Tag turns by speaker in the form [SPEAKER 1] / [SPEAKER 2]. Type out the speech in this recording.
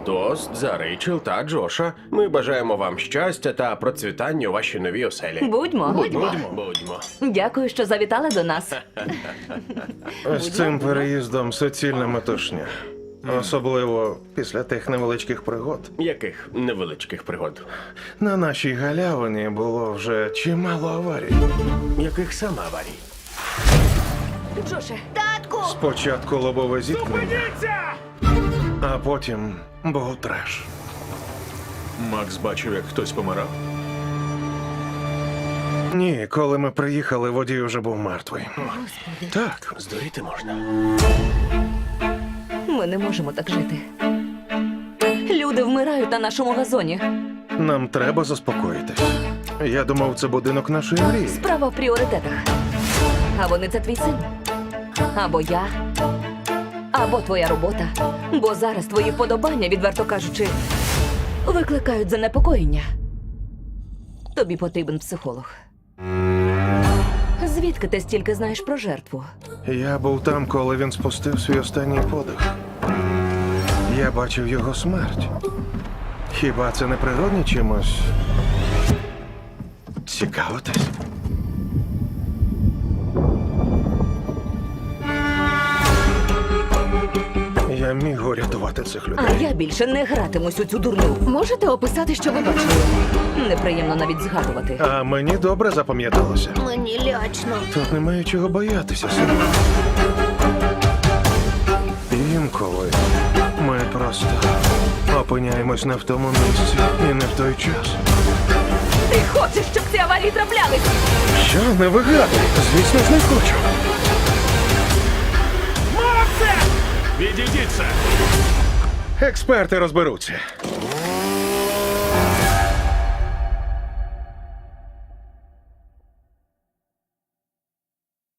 [SPEAKER 1] Тост за Рейчел та Джоша. Ми бажаємо вам щастя та процвітання у вашій новій оселі.
[SPEAKER 2] Будьмо.
[SPEAKER 1] Будьмо.
[SPEAKER 2] Дякую, що завітали до нас.
[SPEAKER 3] З цим переїздом суцільна метушня. Особливо після тих невеличких пригод.
[SPEAKER 1] Яких невеличких пригод?
[SPEAKER 3] На нашій галявині було вже чимало аварій.
[SPEAKER 1] Яких саме аварій?
[SPEAKER 2] Джоше,
[SPEAKER 3] Спочатку лобове зіткнення, а потім був треш.
[SPEAKER 4] Макс бачив, як хтось помирав.
[SPEAKER 3] Ні, коли ми приїхали, водій уже був мертвий. Так,
[SPEAKER 1] Здуріти можна.
[SPEAKER 2] ми не можемо так жити. Люди вмирають на нашому газоні.
[SPEAKER 3] нам треба заспокоїтись. Я думав, це будинок нашої мрії.
[SPEAKER 2] Справа в пріоритетах. А вони це твій син. Або я, або твоя робота. Бо зараз твої вподобання, відверто кажучи, викликають занепокоєння. Тобі потрібен психолог. Звідки ти стільки знаєш про жертву?
[SPEAKER 3] Я був там, коли він спустив свій останній подих. Я бачив його смерть. Хіба це не природне чимось? Цікавитись? Я міг урятувати цих
[SPEAKER 2] А
[SPEAKER 3] людей.
[SPEAKER 2] я більше не гратимусь у цю дурню.
[SPEAKER 5] Можете описати, що ви бачили?
[SPEAKER 2] Неприємно навіть згадувати.
[SPEAKER 3] А мені добре запам'яталося.
[SPEAKER 5] Мені лячно.
[SPEAKER 3] Тут немає чого боятися, сину. Інколи ми просто опиняємось не в тому місці і не в той час.
[SPEAKER 2] Ти хочеш, щоб ці аварії траплялись?
[SPEAKER 3] Що, не вигадуй? Звісно ж, не хочу.
[SPEAKER 4] Відійдіться!
[SPEAKER 3] Експерти розберуться.